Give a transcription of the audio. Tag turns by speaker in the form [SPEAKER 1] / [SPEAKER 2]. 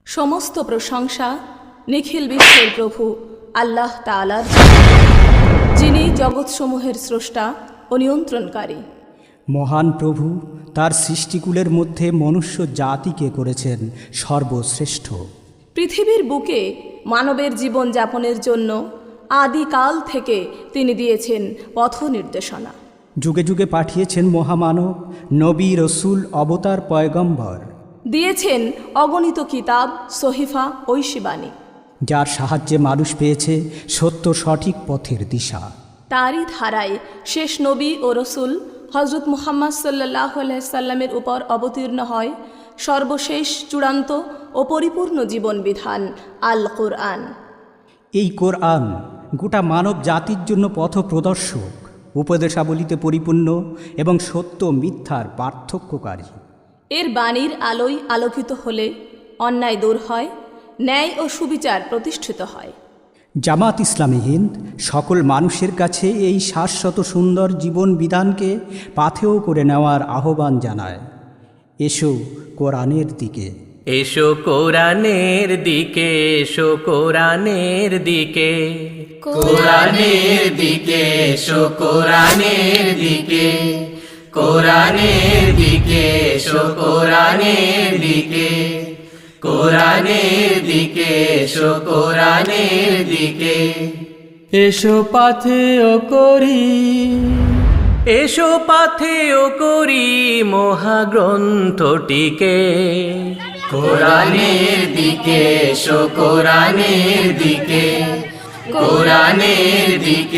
[SPEAKER 1] সমস্ত প্রশংসা নিখিল বিশ্বের প্রভু আল্লাহ তাআলার, যিনি জগৎসমূহের স্রষ্টা ও নিয়ন্ত্রণকারী।
[SPEAKER 2] মহান প্রভু তার সৃষ্টিকুলের মধ্যে মনুষ্য জাতিকে করেছেন সর্বশ্রেষ্ঠ।
[SPEAKER 1] পৃথিবীর বুকে মানবের জীবন যাপনের জন্য আদিকাল থেকে তিনি দিয়েছেন পথ নির্দেশনা।
[SPEAKER 2] যুগে যুগে পাঠিয়েছেন মহামানব, নবী, রসুল, অবতার, পয়গম্বর।
[SPEAKER 1] দিয়েছেন অগণিত কিতাব, সহিফা, ঐশীবাণী,
[SPEAKER 2] যার সাহায্যে মানুষ পেয়েছে সত্য সঠিক পথের দিশা।
[SPEAKER 1] তারই ধারায় শেষ নবী ও রসুল হজরত মুহাম্মদ সাল্লাল্লাহু আলাইহি সাল্লামের উপর অবতীর্ণ হয় সর্বশেষ, চূড়ান্ত ও পরিপূর্ণ জীবন বিধান আল কোরআন।
[SPEAKER 2] এই কোরআন গোটা মানব জাতির জন্য পথ প্রদর্শক, উপদেশাবলিতে পরিপূর্ণ এবং সত্য মিথ্যার পার্থক্যকারী।
[SPEAKER 1] এর বাণীর আলোয় আলোকিত হলে অন্যায় দূর হয়, ন্যায় ও সুবিচার প্রতিষ্ঠিত হয়।
[SPEAKER 2] জামাত ইসলামী হিন্দ সকল মানুষের কাছে এই শাশ্বত সুন্দর জীবন বিধানকে পাথেয় করে নেওয়ার আহ্বান জানায়। এসো কোরআনের দিকে,
[SPEAKER 3] এসো কোরআনের দিকে, এসো কোরআনের দিকে, কোরআনের দিকে, এসো কোরআনের দিকে, কোরআনের দিকে, এসো কোরআনের দিকে, কোরআনের দিকে, এসো কোরআনের দিকে। এসো পাথেয় করি, এসো পাথেয় করি মহাগ্রন্থটিকে। কোরআনের দিকে, এসো কোরআনের দিকে, কোরআনের দিকে।